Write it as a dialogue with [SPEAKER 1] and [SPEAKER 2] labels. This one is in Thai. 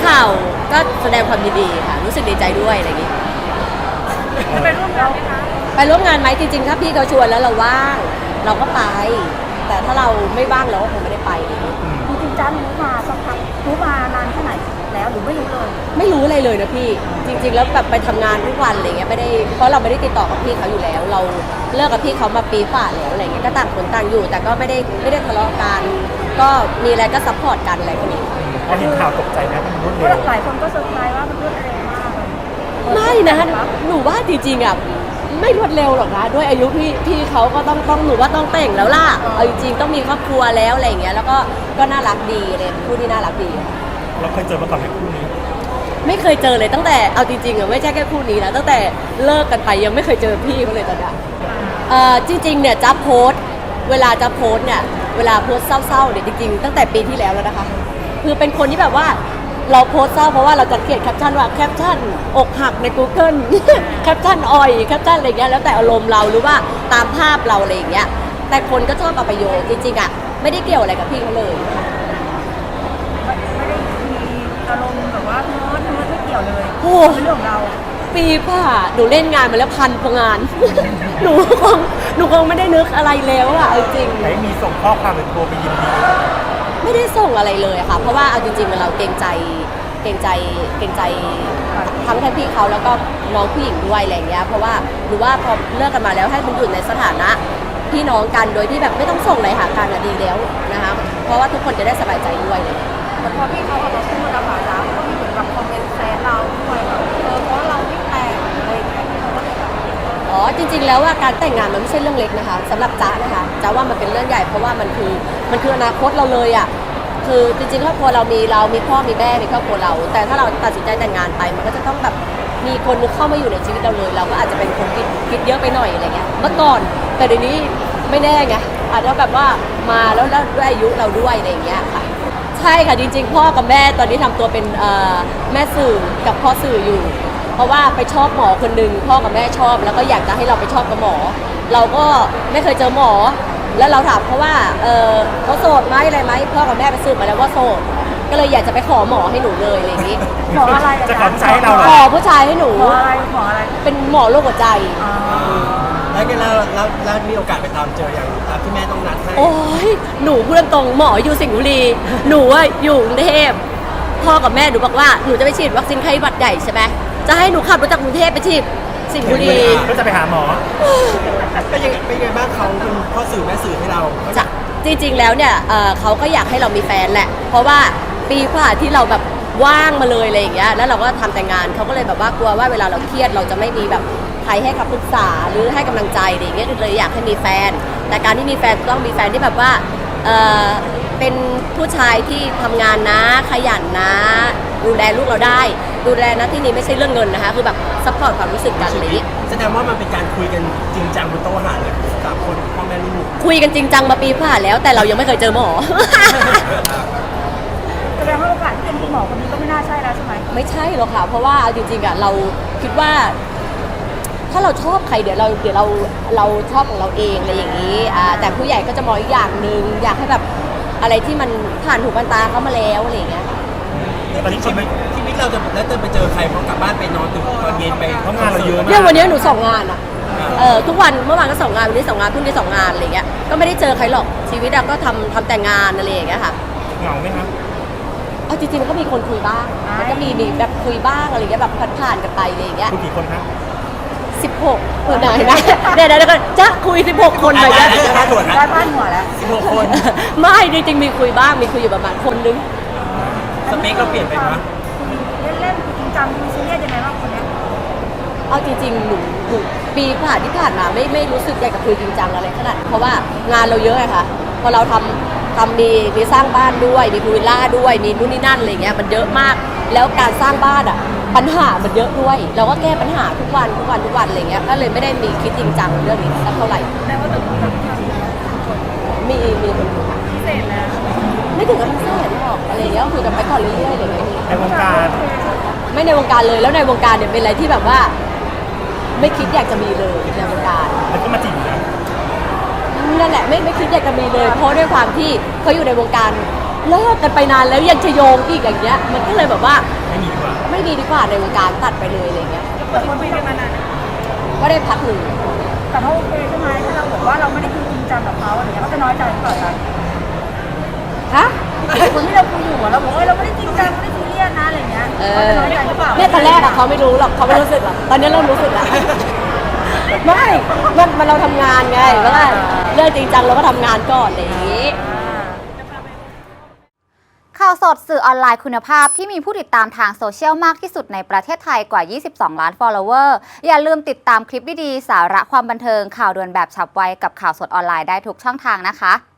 [SPEAKER 1] ข่าวก็แสดงความยินดีค่ะรู้สึกดีใจด้วยอะไรอย่างงี้
[SPEAKER 2] จะไปร่วมงานไหมคะ
[SPEAKER 1] ไปร่วมงานไหมจริงๆถ้าพี่เขาชวนแล้วเราว่างเราก็ไป แต่ถ้าเราไม่ว่างเราก็คงไม่ได้ไปอะไรอย่างงี้
[SPEAKER 2] จริงๆจ้ารู้มาสักพักรู้มานานแค่ไหนแล้วหรือไม่รู้เลย
[SPEAKER 1] ไม่รู้อะไรเลยนะพี่จริงๆแล้วแบบไปทำงานทุกวันอะไรเงี้ยไม่ได้เพราะเราไม่ได้ติดต่อกับพี่เขาอยู่แล้ว เราเลิกกับพี่เขามาปีฝ่าแล้วอะไรเงี้ยก็ต่างคนต่างอยู่ แต่ก็ไม่ได้ทะเลาะกันก็มีอะไรก็ซัพพอร์ตกันอะไรพวกนี้
[SPEAKER 3] พอเห็นข่าวตกใจไหมมันรวดเร็ว
[SPEAKER 2] หลายคนก็เซอร์ไพรส์ว่ามันรวดเร็วมาก
[SPEAKER 1] ไม่นะหนูว่าจริงๆอ่ะไม่รวดเร็วหรอกนะด้วยอายุพี่เขาก็ต้องหนูว่าต้องแต่งแล้วล่ะเอาจริงๆต้องมีครอบครัวแล้วอะไรเงี้ยแล้วก็น่ารักดีเลยคู่ที่น่ารักดี
[SPEAKER 3] เราเคยเจอมาก่อนไหมคู่นี้
[SPEAKER 1] ไม่เคยเจอเลยตั้งแต่เอาจริงๆอ่ะไม่ใช่แค่คู่นี้นะตั้งแต่เลิกกันไปยังไม่เคยเจอพี่เขาเลยตอนนี้จริงๆเนี่ยจ๊บโพสเวลาจ๊บโพสเนี่ยเวลาโพสเศร้าๆเนี่ยจริงๆตั้งแต่ปีที่แล้วแล้วนะคะคือเป็นคนที่แบบว่าเราโพสเศร้าเพราะว่าเราจะเขียนแคปชั่นว่าแคปชั่นอกหักใน Google แคปชั่นอ่อยแคปชั่นอะไรเงี้ยแล้วแต่อารมณ์เราหรือว่าตามภาพเราอะไรอย่างเงี้ยแต่คนก็ชอบเอาไปโยงจริงๆอ่ะไม่ได้เกี่ยวอะไรกับพี่เขาเลย
[SPEAKER 2] ไม่ได้มีอารมณ์แบบว่าเนื้อไม่เกี่ยวเลยเป็นเรื่องของเรา
[SPEAKER 1] ปีผ่าหนูเล่นงานมาแล้วพันกว่างาน หนูคงไม่ได้นึกอะไรแล้วอะจริง
[SPEAKER 3] ไหนมีส่งข้อความหรือโทรไปยินดี
[SPEAKER 1] ไม่ได้ส่งอะไรเลยค่ะเพราะว่าเอาจริงๆเราเกรงใจทั้งพี่เขาแล้วก็น้องผู้หญิงด้วยอะไรเงี้ยเพราะว่าหรือว่าพอเลิกกันมาแล้วให้มันอยู่ในสถานะพี่น้องกันโดยที่แบบไม่ต้องส่งอะไรหากันอะดีแล้วนะคะเพราะว่าทุกคนจะได้สบายใจด้วยเลย
[SPEAKER 2] แต่พอพี่เขาออกมาพูดนะคะจ้าก็มีเหมือนกับคอมเมนต์แซนเราด้วยแบบเพราะเราไม่แต่งอะไรอย่างเงี้ยเขาก็เลยแบบ
[SPEAKER 1] อ๋อจริงๆแล้วว่าการแต่งงานมันไม่ใช่เรื่องเล็กนะคะสำหรับจ๊ะนะคะจ๊ะว่ามันเป็นเรื่องใหญ่เพราะว่ามันคืออนาคตเราเลยอ่ะคือจริงๆครอบครัวเรามีพ่อมีแม่มีครอบครัวเราแต่ถ้าเราตัดสินใจแต่งงานไปมันก็จะต้องแบบมีคนนึงเข้ามาอยู่ในชีวิตเราเลยเราก็อาจจะเป็นคนคิดเยอะไปหน่อยอะไรเงี้ยเมื่อก่อนแต่เดี๋ยวนี้ไม่แน่ไงอาจจะแบบว่ามาแล้วด้วยอายุเราด้วยอะไรอย่างเงี้ยค่ะใช่ค่ะจริงๆพ่อกับแม่ตอนนี้ทำตัวเป็นแม่สื่อกับพ่อสื่ออยู่เพราะว่าไปชอบหมอคนนึงพ่อกับแม่ชอบแล้วก็อยากจะให้เราไปชอบกับหมอเราก็ไม่เคยเจอหมอแล้วเราถามเขาว่าเขาโสดไหมอะไรไหมพ่อกับแม่ไปสืบมาแล้วว่าโสดก็เลยอยากจะไปขอหมอให้หนูเลยอะไรอย่างนี้
[SPEAKER 2] หมออะไร
[SPEAKER 3] จะขอผู้ชายให้เรา
[SPEAKER 1] ขอผู้ชายให้หนู
[SPEAKER 2] หมออะไร
[SPEAKER 1] เป็นหมอโรคหัวใจ
[SPEAKER 4] แล้วกันแล้วมีโอกาสไปตามเจออย่างตามที่แม่ต้องนัดให้
[SPEAKER 1] โอ้ยหนูพูดตรงหมออยู่สิงห์บุรีหนูว่าอยู่กรุงเทพพ่อกับแม่หนูบอกว่าหนูจะไปฉีดวัคซีนไข้หวัดใหญ่ใช่ไหมจะให้หนูขับรถจากกรุงเทพไปฉีดสิงห์บุรี
[SPEAKER 3] ก็จะไปหาหมอ
[SPEAKER 4] เป็นยังไงบ้างเขาเป็นพ่อสื่อแม่สื่อให้เรา
[SPEAKER 1] จะจริงๆแล้วเนี่ยเขาก็อยากให้เรามีแฟนแหละเพราะว่าปีกว่าที่เราแบบว่างมาเลยอะไรอย่างเงี้ยแล้วเราก็ทำแต่งานเขาก็เลยแบบว่ากลัวว่าเวลาเราเครียดเราจะไม่มีแบบใครให้คำปรึกษาหรือให้กำลังใจอะไรอย่างเงี้ยเลยอยากให้มีแฟนแต่การที่มีแฟนต้องมีแฟนที่แบบว่าเป็นผู้ชายที่ทำงานนะขยันนะดูแลลูกเราได้ดูแลนะที่นี้ไม่ใช่เรื่องเงินนะคะคือแบบซัพพอร์ตความรู้สึกกันอะไรอย่างงี้
[SPEAKER 4] แสดงว่ามันเป็นการคุยกันจริงจังบนโต๊ะอาหารเลยสามคนพ่อแม่ลูก
[SPEAKER 1] คุยกันจริงจังมาปีผ่านแล้วแต่เรายังไม่เคยเจอหมอ
[SPEAKER 2] แสดงว่าโอกาสที่เป็นคุณหมอคนนี้ก็ไม่น่าใช่แล้วใช่ไหม
[SPEAKER 1] ไม่ใช่หรอกค่ะเพราะว่าจริงๆอ่ะเราคิดว่าถ้าเราชอบใครเดี๋ยวเราชอบของเราเองอะไรอย่างนี้แต่ผู้ใหญ่ก็จะมองอีกอย่างหนึ่งอยากให้แบบอะไรที่มันผ่านหูผ่านตาเขามาแล้วอะไรอย่างเงี้ย
[SPEAKER 4] ตอนนี้ชีวิตเราจะแล้วจะไปเจอใครพอกลับบ้านไปนอนตื่นตอนเย็นไป
[SPEAKER 3] เพราะงานเราเยอะมาก
[SPEAKER 1] เนี่ยวันนี้หนู2 งานอ่ะทุกวันเมื่อวานก็2 งานวันนี้2 งานพรุ่งนี้2 งานอะไรเงี้ยก็ไม่ได้เจอใครหรอกชีวิตก็ทำแต่งานอะไรอย่างเงี้ยค่ะ
[SPEAKER 3] เหงาไหมครับ
[SPEAKER 1] เอาจริงๆมันก็มีคนคุยบ้างมันก็มีแบบคุยบ้างอะไรเงี้ยแบบผ่านกันไปอะไรอย่างเงี้ย
[SPEAKER 3] คุยกี่คนครับ
[SPEAKER 1] 16คนไหนนะเดี๋ยวก็จะคุย16คนเลย
[SPEAKER 2] ได้พาดหัวแล้ว
[SPEAKER 4] 16 คน
[SPEAKER 1] ไม่จริงๆมีคุยบ้างมีคุยอยู่ประมาณคนนึง
[SPEAKER 4] สเปคเราเปลี่ยนไปไหม
[SPEAKER 2] เล่นจริงจังดูซีเรียสยังไงบ้างคนนี้
[SPEAKER 1] เอาจริงๆหนูปีที่ผ่านมาไม่รู้สึกอยากจะคุยจริงจังอะไรขนาดเพราะว่างานเราเยอะไงคะพอเราทำมีสร้างบ้านด้วยมีพูลวิลล่าด้วยมีนู่นนี่นั่นอะไรเงี้ยมันเยอะมากแล้วการสร้างบ้านปัญหามันเยอะด้วยเราก็แก้ปัญหาทุกวันอะไรเงี้ยก็เลยไม่ได้มีคิดจริงจังเรื่องนี้สักเท่าไหร่
[SPEAKER 2] แต่ว่าตอนนี้ทำ
[SPEAKER 1] มีคน
[SPEAKER 2] พิเศษนะ
[SPEAKER 1] ไม่ถึงกับพิเศษหรอกอะไรเงี้ยคุยกันไปก่อนเรื่อยๆอะไรเงี้ย
[SPEAKER 3] ในวงการ
[SPEAKER 1] ไม่ในวงการเลยแล้วในวงการเนี่ยเป็นอะไรที่แบบว่าไม่คิดอยากจะมีเลยในวงการ
[SPEAKER 3] แล้วก็มาจีบนะ
[SPEAKER 1] นั่นแหละไม่คิดอยากจะมีเลยเพราะด้วยความที่เขาอยู่ในวงการเลิกกันไปนานแล้วยังจะโยงอีกอย่างเงี้ยมันก็เลยแบบว่า
[SPEAKER 3] ไม่มีดีกว่า
[SPEAKER 1] ไม่ดีดีกว่าในวงการตัดไปเลยอะไรเงี้ย
[SPEAKER 2] แต่คนคุยกันมานาน
[SPEAKER 1] ก็ได้พักหนึ่ง
[SPEAKER 2] แต่เขาโอเคใช่ไหมถ้าเราบอกว่าเราไม่ได้คุยจริงจังกับเขาอะไรเงี้ยเขาจะน้อยใจหรือเปล่าจ๊ะ
[SPEAKER 1] ฮะ
[SPEAKER 2] คนที่เราคุยอยู่เราบอกว่าเราไม่ได้จริงจังไม่ได้ซีเรียสนะอะไรเงี้ยเขาจะน้อยใจหรือเปล่า
[SPEAKER 1] เนี่ยตอนแรกอะเขาไม่รู้หรอกเขาไม่รู้สึกหรอกตอนนี้เริ่มรู้สึกแล้วไม่มันเราทำงานไงว่าเรื่องจริงจังเราก็ทำงานก่อนอะไรอย่างงี้
[SPEAKER 5] ข่าวสดสื่อออนไลน์คุณภาพที่มีผู้ติดตามทางโซเชียลมากที่สุดในประเทศไทยกว่า 22 ล้าน follower อย่าลืมติดตามคลิปดีๆสาระความบันเทิงข่าวด่วนแบบฉับไวกับข่าวสดออนไลน์ได้ทุกช่องทางนะคะ